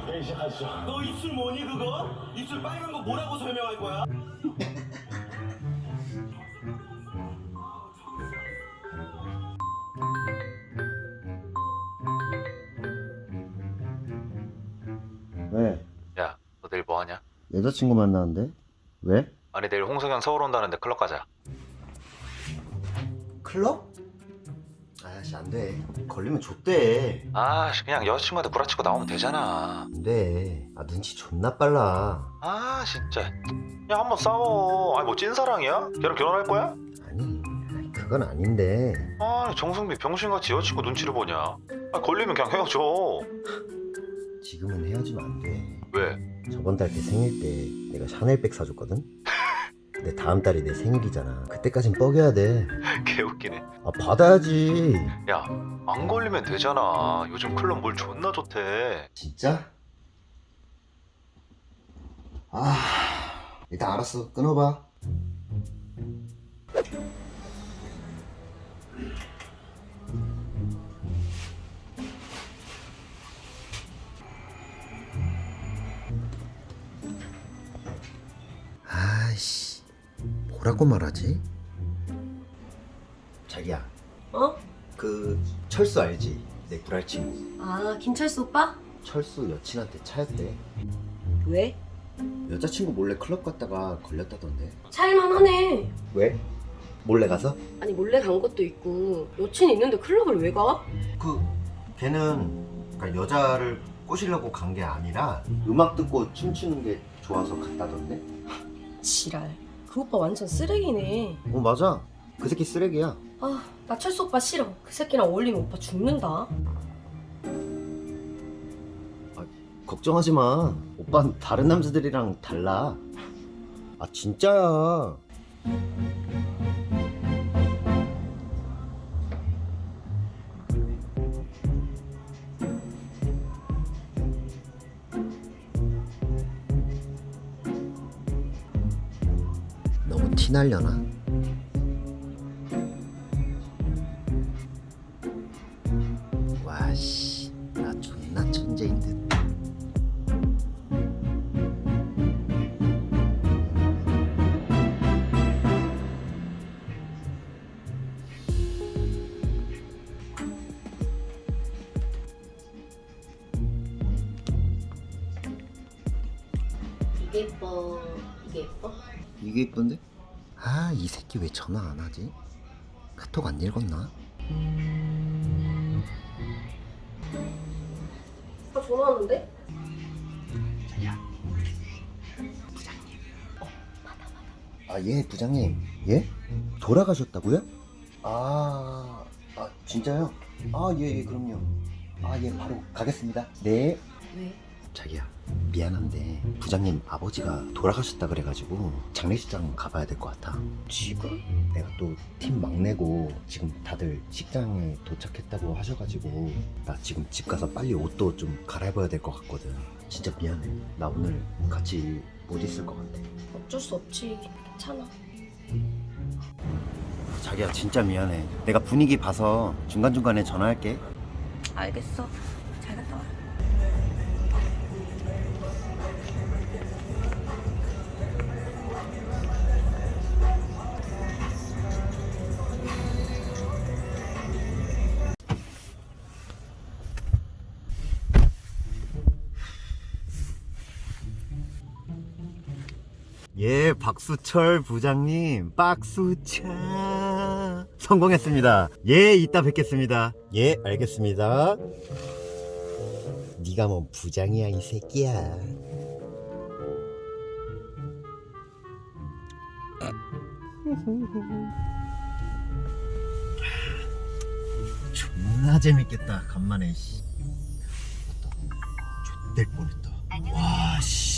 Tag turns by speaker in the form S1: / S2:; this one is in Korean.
S1: 네, 시작하시죠.
S2: 너 입술 뭐니 그거? 입술 빨간 거 뭐라고 설명할 거야?
S3: 왜?
S4: 야, 너 내일 뭐 하냐?
S3: 여자친구 만나는데? 왜?
S4: 아니 내일 홍석현 서울 온다는데 클럽 가자.
S3: 클럽? 아씨 안돼. 걸리면 좆대.
S4: 아, 그냥 여자친구한테 구라치고 나오면 되잖아.
S3: 안돼. 아 눈치 존나 빨라.
S4: 아, 진짜. 야, 한번 싸워. 아니 뭐 찐사랑이야? 걔랑 결혼할 거야?
S3: 아니 그건 아닌데.
S4: 아, 정승비 병신같이 여자친구 눈치를 보냐? 아, 걸리면 그냥 헤어져.
S3: 지금은 헤어지면 안돼.
S4: 왜?
S3: 저번 달 걔 생일 때 내가 샤넬백 사줬거든? 근데 다음 달이 내 생일이잖아. 그때까진 뻐겨야 돼.
S4: 개웃기네.
S3: 아 받아야지.
S4: 야, 안 걸리면 되잖아. 요즘 클럽 물 존나 좋대.
S3: 진짜? 아 일단 알았어. 끊어봐. 아이씨 뭐라고 말하지? 자기야
S5: 어?
S3: 그 철수 알지? 내 구랄친구.
S5: 아, 김철수 오빠?
S3: 철수 여친한테 차였대.
S5: 왜?
S3: 여자친구 몰래 클럽 갔다가 걸렸다던데.
S5: 차일만하네.
S3: 왜? 몰래 가서?
S5: 아니, 몰래 간 것도 있고 여친이 있는데 클럽을 왜 가?
S3: 그 걔는 그러니까 여자를 꼬시려고 간 게 아니라 음악 듣고 춤추는 게 좋아서 갔다던데.
S5: 지랄. 그 오빠 완전 쓰레기네.
S3: 어 맞아. 그 새끼 쓰레기야.
S5: 아, 나 철수 오빠 싫어. 그 새끼랑 어울리면 오빠 죽는다.
S3: 걱정하지 마. 오빠는 다른 남자들이랑 달라. 아 진짜야. 너무 티 날려나? 와씨, 나 존나 천재인 듯.
S5: 이게 예뻐. 이게 예뻐?
S3: 이게 이쁜데? 아, 이 새끼 왜 전화 안 하지? 카톡 안 읽었나?
S5: 오빠 전화하는데?
S3: 아, 예, 부장님. 예? 돌아가셨다고요? 진짜요? 아, 예, 그럼요. 아, 예, 바로 가겠습니다. 네.
S5: 왜?
S3: 자기야, 미안한데 부장님 아버지가 돌아가셨다 그래가지고 장례식장 가봐야 될 것 같아.
S5: 지금?
S3: 내가 또 팀 막내고 지금 다들 식장에 도착했다고 하셔가지고 나 지금 집 가서 빨리 옷도 좀 갈아입어야 될 것 같거든. 진짜 미안해. 나 오늘 같이 못 있을 것 같아.
S5: 어쩔 수 없지. 괜찮아.
S3: 자기야 진짜 미안해. 내가 분위기 봐서 중간중간에 전화할게.
S5: 알겠어. 잘 갔다 와.
S3: 예, 박수철 부장님, 박수차 성공했습니다. 예, 이따 뵙겠습니다. 예, 알겠습니다. 네가 뭐 부장이야 이 새끼야. 존나 재밌겠다. 간만에 씨. 좆될 뻔했다. 와 씨.